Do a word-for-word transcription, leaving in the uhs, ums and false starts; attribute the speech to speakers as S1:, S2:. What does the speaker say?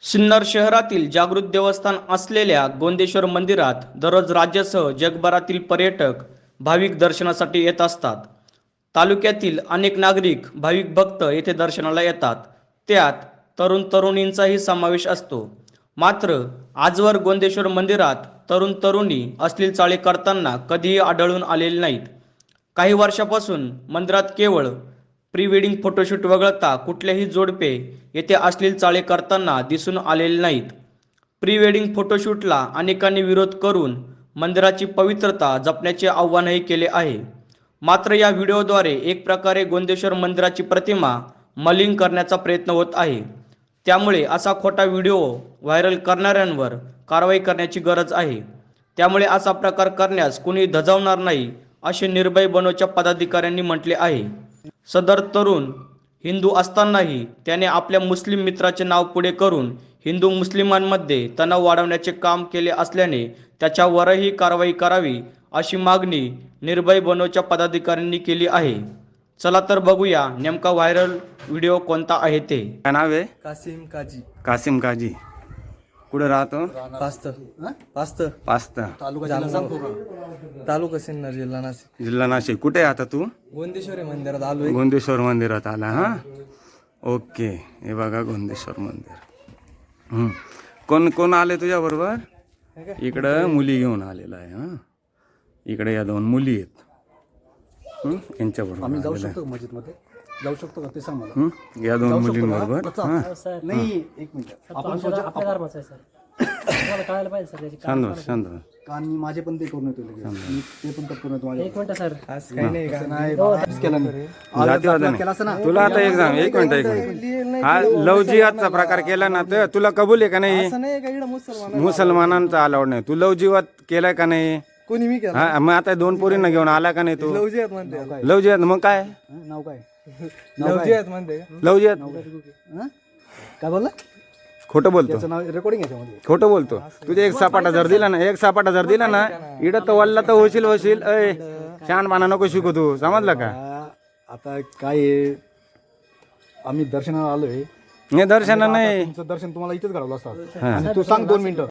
S1: सिन्नर शहरातील जागृत देवस्थान असलेल्या गोंदेश्वर मंदिरात दररोज राज्यासह जगभरातील पर्यटक भाविक दर्शनासाठी येत असतात। तालुक्यातील अनेक नागरिक भाविक भक्त येथे दर्शनाला येतात, त्यात तरुण तरुणींचाही समावेश असतो। मात्र आजवर गोंदेश्वर मंदिरात तरुण तरुणी अश्लील चाळे करताना कधीही आढळून आलेले नाहीत। काही वर्षापासून मंदिरात केवळ प्री वेडिंग फोटोशूट वगळता कुठलेही जोडपे येथे अश्लील चाळे करताना दिसून आलेले नाहीत। प्री वेडिंग फोटोशूटला अनेकांनी विरोध करून मंदिराची पवित्रता जपण्याचे आवाहनही केले आहे। मात्र या व्हिडिओद्वारे एक प्रकारे गोंदेश्वर मंदिराची प्रतिमा मलिन करण्याचा प्रयत्न होत आहे। त्यामुळे असा खोटा व्हिडिओ व्हायरल करणाऱ्यांवर कारवाई करण्याची गरज आहे। त्यामुळे असा प्रकार करण्यास कुणी धजावणार नाही, असे निर्भय बनोच्या पदाधिकाऱ्यांनी म्हटले आहे। सदर तरुण हिंदू असतानाही त्याने आपल्या मुस्लिम मित्राचे नाव पुढे करून हिंदू मुस्लिमांमध्ये तणाव वाढवण्याचे काम केले असल्याने त्याच्यावरही कारवाई करावी, अशी मागणी निर्भय बनोच्या पदाधिकाऱ्यांनी केली आहे। चला तर बघूया नेमका व्हायरल व्हिडिओ कोणता आहे ते।
S2: काय नाव आहे?
S3: कासिम काजी।
S2: कासिम काजी कुठे राहतो?
S3: पास्त पास्त
S2: पास्त
S3: तालुका तालुका सिन्नर जिल्हा नाशिक।
S2: जिल्हा नाशिक। कुठे आहे आता तू?
S3: गोंदेश्वरी मंदिरात आलोय।
S2: गोंदेश्वर मंदिरात आला हा? ओके, हे बघा गोंदेश्वर मंदिर। हम्म, कोण कोण आले तुझ्या बरोबर? इकडं मुली घेऊन आलेला आहे हा। इकडे या दोन मुली आहेत, हम्म, यांच्या बरोबर
S4: आम्ही जाऊ शकतो मस्जिद मध्ये, जाऊ शकतो का ते सांग मला।
S2: हम्म, या दोन मुलींबरोबर हा।
S4: नाही एक मिनिट, आपण स्वतः
S5: आपल्या धर्माचं आहे सर, तुम्हाला कळायला पाहिजे सर त्याची
S2: शांत बस, शांत बस।
S4: कान मी माझे पण ते करून येतो लगेच, मी ते पण कट करून येतो माझे।
S5: एक मिनिट सर,
S3: आज काही नाही का?
S4: नाही बाबा, केलं नाही
S2: जातीवाद
S4: केला असं ना
S2: नाही। तुला आता एक सांग, एक मिनिट एक मिनिट हा लव जिहादचा प्रकार केला ना, तर तुला कबूल आहे का नाही?
S3: असं नाही का इकडं मुसलमान
S2: मुसलमानांचा अलाउड नाही। तू लव जिहाद केलाय का नाही?
S3: कोणी मी केलं?
S2: हा, मग आता दोन पोरींना घेऊन आला का नाही तू?
S3: लवजियात म्हणते,
S2: लव जिहाद मग काय?
S4: हं, नाव काय?
S3: लवजियात म्हणते का?
S2: लव जिहाद
S4: हं? काय बोलला?
S2: खोटं बोलतो,
S4: त्याचं नाव रेकॉर्डिंग याच्यामध्ये।
S2: खोटं बोलतो। तुझे एक सापाटा जर दिला ना, एक सापाटा जर दिला ना, इडं तर वल्ला तर होशील होशील। अय शहाणपणा नको शिकू तू, समजलं का?
S4: आ, आता काय आहे, आम्ही दर्शनाला आलोय।
S2: हे दर्शन नाही,
S4: तुमचं दर्शन तुम्हाला इथेच घडवलं असतं आणि तू सांग दोन मिनिटं